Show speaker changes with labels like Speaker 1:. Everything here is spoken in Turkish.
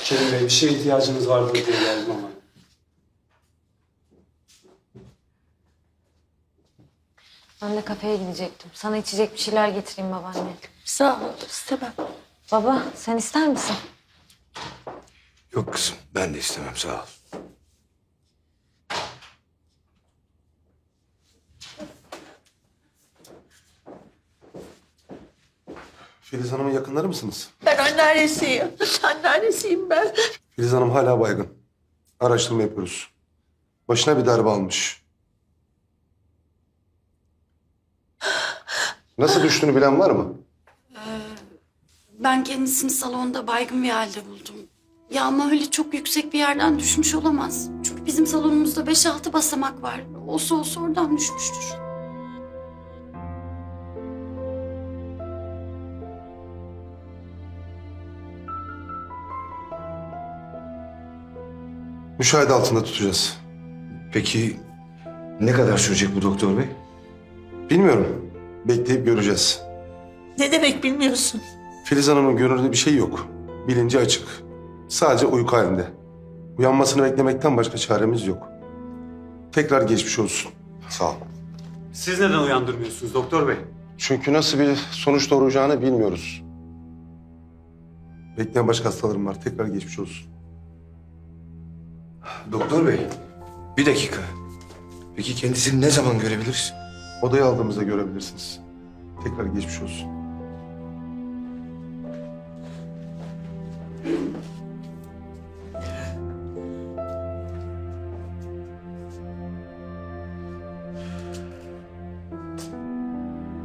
Speaker 1: Kerim Bey, bir şeye ihtiyacınız vardı diye geldim ama.
Speaker 2: Ben de kafeye gidecektim. Sana içecek bir şeyler getireyim babaanne.
Speaker 3: Sağ ol, istemem.
Speaker 2: Baba, sen ister misin?
Speaker 4: Yok kızım, ben de istemem, sağ ol.
Speaker 5: Filiz Hanım'ın yakınları mısınız?
Speaker 3: Ben anneannesiyim. Anneannesiyim ben.
Speaker 5: Filiz Hanım hala baygın. Araştırma yapıyoruz. Başına bir darbe almış. Nasıl düştüğünü bilen var mı?
Speaker 6: Ben kendisini salonda baygın bir halde buldum. Ya ama öyle çok yüksek bir yerden düşmüş olamaz. Çünkü bizim salonumuzda 5-6 basamak var. Olsa oradan düşmüştür.
Speaker 5: Müşahede altında tutacağız.
Speaker 4: Peki ne kadar sürecek bu doktor bey?
Speaker 5: Bilmiyorum. Bekleyip göreceğiz.
Speaker 3: Ne demek bilmiyorsun?
Speaker 5: Filiz Hanım'ın görünürde bir şey yok. Bilinci açık. Sadece uyku halinde. Uyanmasını beklemekten başka çaremiz yok. Tekrar geçmiş olsun. Sağ ol.
Speaker 1: Siz neden uyandırmıyorsunuz doktor bey?
Speaker 5: Çünkü nasıl bir sonuç doğuracağını bilmiyoruz. Bekleyen başka hastalarım var. Tekrar geçmiş olsun.
Speaker 4: Doktor bey, bir dakika. Peki kendisini ne zaman görebiliriz?
Speaker 5: Odaya aldığımızda görebilirsiniz. Tekrar geçmiş olsun.